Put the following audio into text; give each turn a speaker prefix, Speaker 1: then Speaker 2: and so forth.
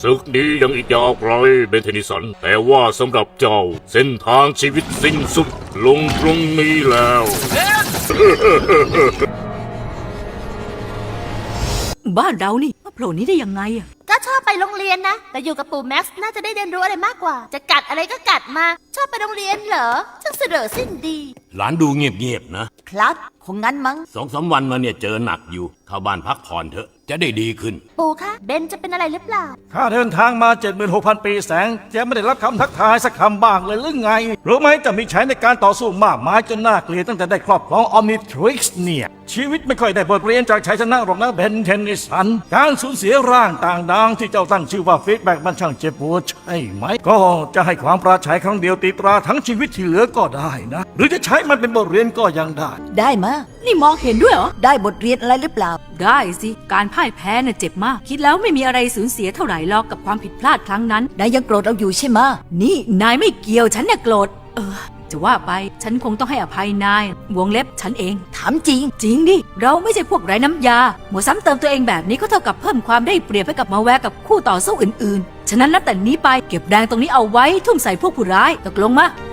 Speaker 1: ศึกนี้ยังอีกยาวไกลเบนเทนิสันแต่ว่าสำหรับเจ้าเส้นทางชีวิตสิ้นสุดลงตรงนี้แล้ว
Speaker 2: บ้านเรานี่มาโผล่นี้ได้ยังไงอะ
Speaker 3: ก็ชอบไปโรงเรียนนะแต่อยู่กับปู่แม็กซ์น่าจะได้เรียนรู้อะไรมากกว่าจะกัดอะไรก็กัดมาชอบไปโรงเรียนเหรอช่างเสดอสิ้นดี
Speaker 4: หลานดูเงียบๆนะครับ
Speaker 5: คงงั้นมั้ง
Speaker 4: 2-3 วันมาเนี่ยเจอหนักอยู่เข้าบ้านพักผ่อนเถอะจะได้ดีขึ้น
Speaker 3: ปู่คะเบนจะเป็นอะไรหรือเปล่า
Speaker 6: ข้าเดินทางมา 76,000 ปีแสงแกไม่ได้รับคำทักทายสักคำบ้างเลยหรือไง รู้ไหมจะมีใช้ในการต่อสู้มากมายจนน่าเกลียดตั้งแต่ได้ครอบครองออมนิทริกซ์เนี่ย ชีวิตไม่ค่อยได้บทเรียนจากชัยชนะหรอกนะเบนเทนนิสัน การสูญเสียร่างต่างดาวที่เจ้าตั้งชื่อว่าฟีดแบ็กมันช่างเจ็บปวดใช่ไหม ก็จะให้ความปราชัยครั้งเดียวตีตราทั้งชีวิตที่เหลือก็ได้นะ หรือจะใช้มันเป็นบทเรียนก็ยังได้
Speaker 5: ได้มะ
Speaker 2: นี่มองเห็นด้วยเหรอ
Speaker 5: ได้บทเรียนอะไรหรือเปล่า
Speaker 2: ได้สิ การพ่ายแพ้น่ะเจ็บมาก คิดแล้วไม่มีอะไรสูญเสียเท่าไหร่หรอกกับความผิดพลาดครั้งนั้น
Speaker 5: นายยังโกรธเราอยู่ใช่มะ
Speaker 2: นี่นายไม่เกี่ยวฉันเนี่ยโกรธจะว่าไปฉันคงต้องให้อภัยนายวงเล็บฉันเอง
Speaker 5: ถามจริง
Speaker 2: จริงดิ เราไม่ใช่พวกไร้น้ำยาหมัวซ้ำเติมตัวเองแบบนี้ก็เท่ากับเพิ่มความได้เปรียบให้กับมาแวร์กับคู่ต่อสู้อื่นๆ ฉะนั้นนับแต่นี้ไปเก็บแรงตรงนี้เอาไว้ทุ่มใส่พวกผู้ร้ายตกลงมา